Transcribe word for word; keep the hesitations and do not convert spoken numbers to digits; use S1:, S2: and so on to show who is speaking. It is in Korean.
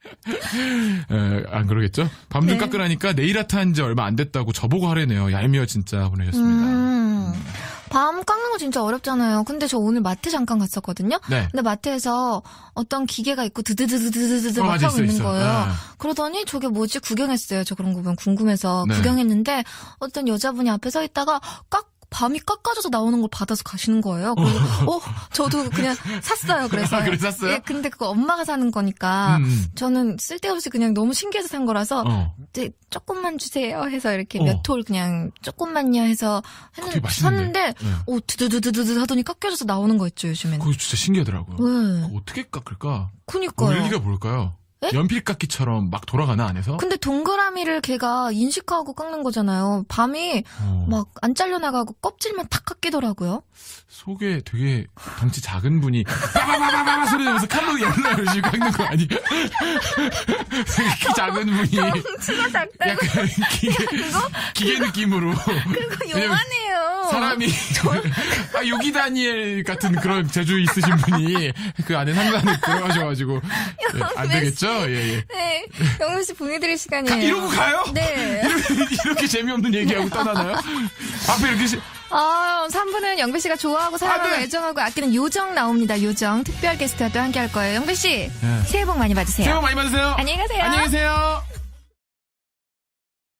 S1: 에, 안 그러겠죠? 밤 좀
S2: 네.
S1: 깎으라니까 네일 아트 한 지 얼마 안 됐다고 저보고 하래네요. 얄미워 진짜 보내셨습니다.
S2: 음, 밤 깎는 거 진짜 어렵잖아요. 근데 저 오늘 마트 잠깐 갔었거든요.
S1: 네.
S2: 근데 마트에서 어떤 기계가 있고 드드드드드드드
S1: 어,
S2: 막
S1: 맞아,
S2: 하고
S1: 있어,
S2: 있는
S1: 있어.
S2: 거예요.
S1: 아.
S2: 그러더니 저게 뭐지 구경했어요. 저 그런 거 보면 궁금해서
S1: 네.
S2: 구경했는데 어떤 여자분이 앞에 서 있다가 깎 밤이 깎아져서 나오는 걸 받아서 가시는 거예요. 그래서 어, 저도 그냥 샀어요. 그래서.
S1: 아, 그래 샀어요?
S2: 예, 근데 그거 엄마가 사는 거니까
S1: 음.
S2: 저는 쓸데없이 그냥 너무 신기해서 산 거라서
S1: 어.
S2: 이제 조금만 주세요 해서 이렇게
S1: 어.
S2: 몇 톨 그냥 조금만요 해서
S1: 되게
S2: 했는데
S1: 맛있는데?
S2: 샀는데
S1: 네.
S2: 오 드드드드드 하더니 깎여져서 나오는 거 있죠 요즘에는.
S1: 그거 진짜 신기하더라고요.
S2: 네.
S1: 그거 어떻게 깎을까?
S2: 그니까요.
S1: 원리가 뭘까요?
S2: 네?
S1: 연필 깎기처럼 막 돌아가나 안에서?
S2: 근데 동그라미를 걔가 인식하고 깎는 거잖아요. 밤이
S1: 어.
S2: 막 안 잘려나가고 껍질만 탁 깎이더라고요.
S1: 속에 되게 덩치 작은 분이 빠바바바바 소리 내면서 칼로 옛날 이러시고 깎는 거 아니에요? 키 작은 분이
S2: 덩치가 작다고.
S1: 약간 기계, 기계 느낌으로
S2: 그리고
S1: 왜냐면
S2: 요만해요.
S1: 사람이 아 요기 다니엘 같은 그런 재주 있으신 분이 그 안에 상단에 들어가셔가지고 예, 안 되겠죠? 예, 예.
S2: 네, 영민 씨 보내드릴 시간이에요.
S1: 이러고 가요?
S2: 네.
S1: 이렇게, 이렇게 재미없는 얘기하고 떠나나요? 앞에 이렇게 시-
S2: 아, 삼 부는 영배 씨가 좋아하고 사랑하고
S1: 아, 네.
S2: 애정하고 아끼는 요정 나옵니다. 요정 특별 게스트와 또 함께 할 거예요. 영배 씨,
S1: 네.
S2: 새해 복 많이 받으세요.
S1: 새해 복 많이 받으세요.
S2: 안녕히 가세요.
S1: 안녕히 계세요.